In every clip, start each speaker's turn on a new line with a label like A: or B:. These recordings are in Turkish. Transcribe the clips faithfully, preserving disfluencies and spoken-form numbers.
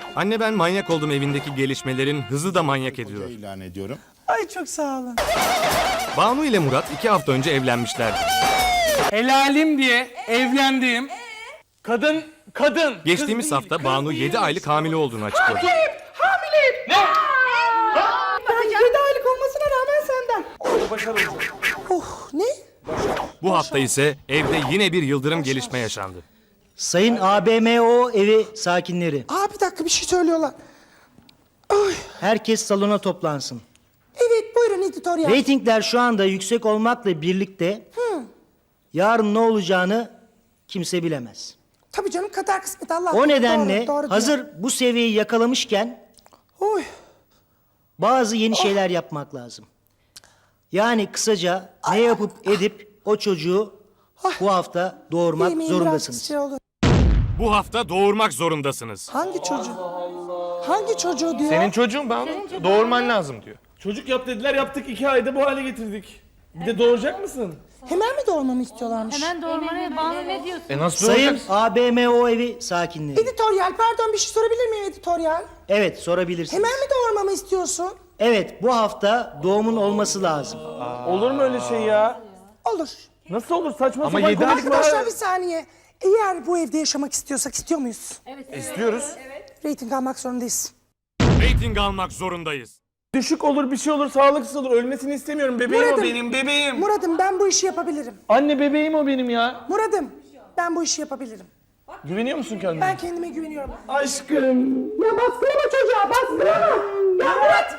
A: Anne ben manyak oldum evindeki gelişmelerin hızı da manyak ediyor.
B: İlan ediyorum.
C: Ay çok sağ olun.
A: Banu ile Murat iki hafta önce evlenmişlerdi.
D: Helalim diye evlendiğim kadın, kadın.
A: Geçtiğimiz
D: kız değil,
A: hafta
D: kız
A: Banu
D: değil.
A: yedi aylık hamile olduğunu açıkladı.
C: Hamileyim. Ne? Ben yedi aylık olmasına rağmen senden.
D: Başarılı.
C: Oh ne?
A: Bu hafta ise evde yine bir yıldırım gelişme yaşandı.
E: Sayın A B M O evi sakinleri,
C: Aa bir dakika bir şey söylüyorlar. Ay.
E: herkes salona toplansın.
C: Evet buyurun editoryal.
E: Reytingler şu anda yüksek olmakla birlikte yarın ne olacağını kimse bilemez.
C: Tabii canım kader kısmet Allah.
E: O nedenle
C: Doğru, doğru
E: hazır
C: diyor.
E: bu seviyeyi yakalamışken
C: Oy.
E: bazı yeni şeyler yapmak lazım. Yani kısaca ne yapıp edip o çocuğu bu hafta doğurmak
C: Yemeğin biraz
E: zorundasınız.
C: şey olur.
A: Bu hafta doğurmak zorundasınız.
C: Hangi çocuğu? Hangi çocuğu diyor?
F: Senin çocuğun Banu. Doğurman lazım diyor.
D: Çocuk yap dediler, yaptık, iki ayda bu hale getirdik. Bir de doğuracak mısın?
C: Hemen mi doğurmamı istiyorlarmış?
G: Hemen doğurmaya Banu ne diyorsun?
F: E nasıl
E: Sayın
F: doğuracaksın?
E: A B M O evi sakinleri.
C: Editoryal pardon bir şey sorabilir miyim editoryal?
E: Evet, sorabilirsiniz.
C: Hemen mi doğurmamı istiyorsun?
E: Evet, bu hafta doğumun olması lazım.
D: Olur mu öyle şey ya?
C: Olur.
D: Nasıl olur? Saçma
F: Ama
D: sapan
F: yedi aylık
D: konuşma.
C: Arkadaşlar bir saniye. Eğer bu evde yaşamak istiyorsak istiyor muyuz?
F: İstiyoruz.
C: Rating almak zorundayız.
A: Rating almak zorundayız.
D: Düşük olur, bir şey olur, sağlıksız olur. Ölmesini istemiyorum. Bebeğim
C: Murat'ım.
D: o benim, bebeğim.
C: Muradım ben bu işi yapabilirim.
D: Anne bebeğim o benim ya.
C: Muradım ben bu işi yapabilirim.
D: Güveniyor musun kendine?
C: Ben kendime güveniyorum.
D: Aşkım.
C: Ya baskılama çocuğa baskılama. Ya Murat.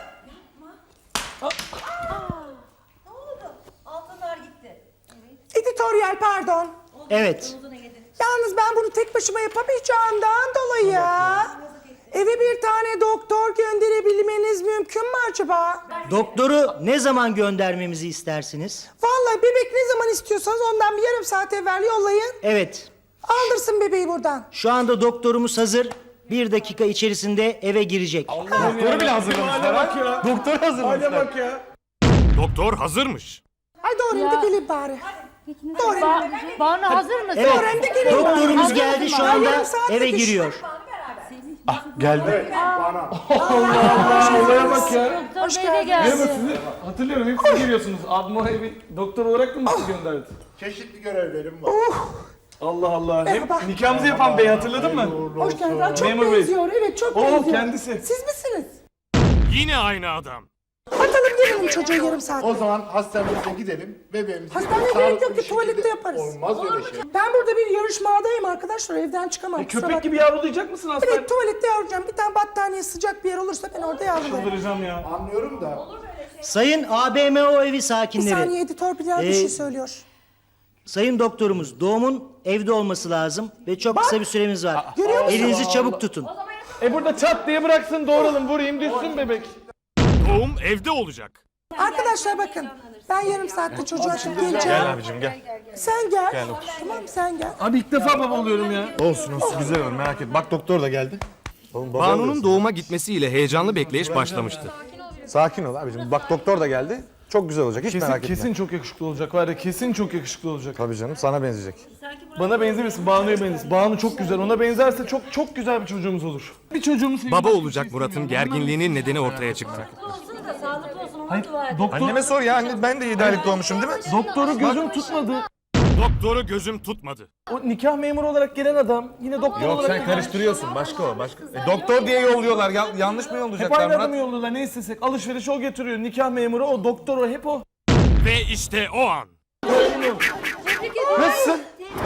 G: Ne oldu? Altınlar gitti.
C: Editoryal pardon.
E: Evet,
C: Yalnız ben bunu tek başıma yapamayacağımdan dolayı eve bir tane doktor gönderebilmeniz mümkün mü acaba?
E: doktoru ne zaman göndermemizi istersiniz?
C: Vallahi bebek ne zaman istiyorsanız ondan bir yarım saat evvel yollayın.
E: Evet,
C: Aldırsın bebeği buradan.
E: şu anda doktorumuz hazır. Bir dakika içerisinde eve girecek.
D: Doktoru bile hazırlamışlar. Bak ya. Doktor hazırlamışlar. Hale bak ya.
A: Doktor hazırmış.
C: Ay doğrayayım da gelin bari. Doğrayayım.
G: Ba Banu hazır mısın?
E: Evet,
C: Doğrayayım da gelin bari.
E: doktorumuz geldi şu anda
C: Yarım saat
E: eve
C: yetiş.
E: giriyor.
D: Geldi. Allah olaya bak ya.
G: Doktor Bey de geldi.
D: Sizi hatırlıyorum, hep siz geliyorsunuz. Abim oraya bir doktor olarak mı sizi gönderdi?
B: Çeşitli görevlerim var.
D: Allah Allah.
C: Merhaba.
D: Hep nikahımızı yapan bey hatırladın mı?
C: Hoş geldin. Çok
D: Memur Bey.
C: benziyor. Evet çok
D: Oo,
C: benziyor.
D: kendisi.
C: Siz misiniz?
A: Yine aynı adam.
C: Atalım gelelim çocuğu yarım saat.
B: O zaman hastanemize gidelim. Bebeğimizi
C: Hastaneye
B: sağlıklı
C: gerek yok
B: bir
C: ki, tuvalette
B: şekilde-
C: yaparız.
B: Olmaz öyle şey.
C: Ben burada bir yarışmadayım arkadaşlar. Evden çıkamam.
D: E,
C: kusura
D: köpek
C: bakmayın.
D: gibi yavrulayacak mısın hastane?
C: Evet tuvalette yavrulayacağım. Bir tane battaniye sıcak bir yer olursa ben orada yavrularım.
D: Çıldıracağım ya.
B: Anlıyorum da.
E: Sayın A B M O evi
C: Bir
E: sakinleri,
C: saniye editör Bilal bir
E: Ee,
C: şey söylüyor.
E: sayın doktorumuz doğumun evde olması lazım ve çok kısa bir süremiz var.
C: Görüyor musun?
E: Elinizi çabuk tutun.
D: E burada çat diye bıraksın, doğuralım, vurayım, düşsün bebek.
A: Doğum evde olacak.
C: Arkadaşlar bakın. Ben yarım saatte çocuğu açıp geleceğim.
F: Gel abicim gel.
C: Sen gel. Tamam sen gel.
D: Abi ilk defa baba oluyorum ya.
F: Olsun olsun güzel olur merak etme. Bak doktor da geldi. Oğlum, baba
A: Banu'nun
F: oluyorsun.
A: doğuma gitmesiyle heyecanlı bekleyiş başlamıştı.
F: Sakin ol abicim. Bak doktor da geldi. Çok güzel olacak. Hiç
D: Kesin,
F: merak etme.
D: kesin çok yakışıklı olacak var ya, kesin çok yakışıklı olacak.
F: Tabii canım sana benzeyecek.
D: Bana benzemesin, Banu'ya benzesin. Banu çok güzel, ona benzerse çok çok güzel bir çocuğumuz olur. Bir çocuğumuz
A: Baba olacak Murat'ın gerginliğinin nedeni ortaya çıktı.
G: Olsun da sağlıklı olsun.
D: Hayır,
G: Onu dua et.
D: doktor,
F: Anneme sor ya anne ben de yedi aylık doğmuşum değil mi?
D: doktoru gözüm tutmadı.
A: Doktoru gözüm tutmadı.
D: O nikah memuru olarak gelen adam yine doktor
F: Yok
D: olarak...
F: sen karıştırıyorsun başka o başka. E, doktor diye yolluyorlar ya, yanlış mı
D: Hep
F: yollayacaklar
D: aynı adamı
F: Murat?
D: yolluyorlar, ne istesek. Alışveriş o getiriyor, nikah memuru o, doktor o, hep o.
A: Ve işte o an.
D: Nasılsın?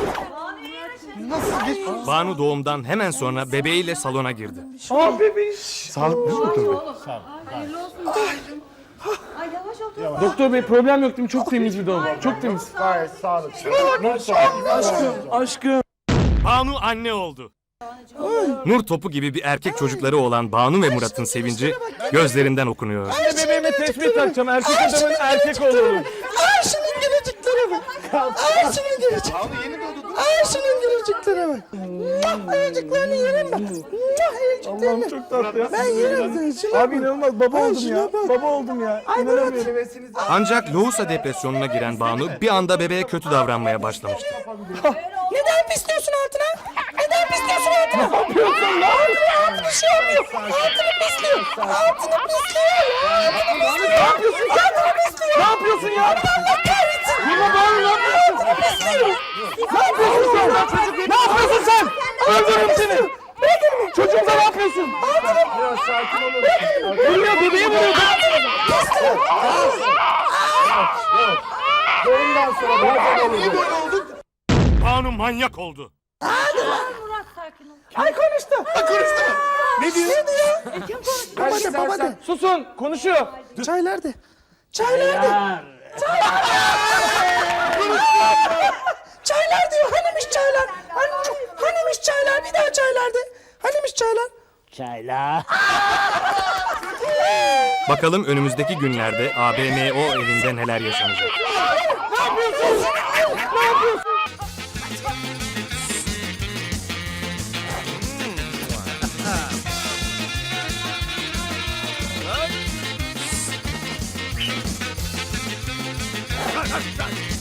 F: Nasıl geç?
A: Banu doğumdan hemen sonra bebeğiyle salona girdi.
D: Aa bebiş.
F: Sağlıklı mı doktor bey?
G: Hayırlı olsun babacığım. Ay yavaş otur.
D: Doktor bey problem yok değil mi? Çok temiz bir doğum. Çok temiz.
B: Gayet sağlıklı.
D: Aşkım, aşkım.
A: Banu anne oldu. Nur topu gibi bir erkek çocukları olan Banu ve Murat'ın sevinci gözlerinden okunuyor.
D: Ne bebeğime tesbih takacağım. Erkek adamın erkek olurum.
C: Ay şunun gülücüklere bak. Ay şunun gülücüklere. Ay şunun gülücüklere bak. Muah ayıcıklarını yerim bak. Muah ayıcıklarını.
D: Allah'ım çok tatlı ya.
C: Ben yerim seni. Şuna
D: Abi
C: bak.
D: inanılmaz baba
C: Ay,
D: oldum
C: şuna
D: ya.
C: bak.
D: Baba oldum ya.
C: Ay
D: İnanamıyorum.
C: Murat.
A: Ancak lohusa depresyonuna giren Banu bir anda bebeğe kötü davranmaya başlamıştı.
C: Neden pisliyorsun altına? Neden pisliyorsun altına?
D: yapıyorsun lan?
C: Bir şey olmuyor. Altını pisliyor. Altını pisliyor. Altını
D: Ne yapıyorsun sen? Ne yapıyorsun ya?
C: Allah kahretsin.
D: Yine Banu ne yapıyorsun?
C: Pisliyor.
D: Ne yapıyorsun sen? Ne yapıyorsun sen? Öldürürüm seni. Çocuğumuza ne yapıyorsun?
B: Biraz sakin olun.
D: Vuruyor, bebeği vuruyor.
B: Ondan sonra bazen olur.
A: Banu manyak oldu.
G: Murat sakin ol.
C: Ay konuştu.
B: Konuştu. Ne diyor?
C: Ne diyor?
G: Kim konuştu?
B: Kaç
C: Baba de baba
B: istersen.
C: de.
D: Susun, konuşuyor.
C: Çay nerede? Çay nerede? Çaylar diyor. Hanimiş çaylar? Hani, hanimiş çaylar? Bir daha çaylar de. Hanimiş çaylar?
A: Bakalım önümüzdeki günlerde A B M O evinde neler yaşanacak.
C: Ne yapıyorsun? Ne yapıyorsun?
A: Hadi, hadi.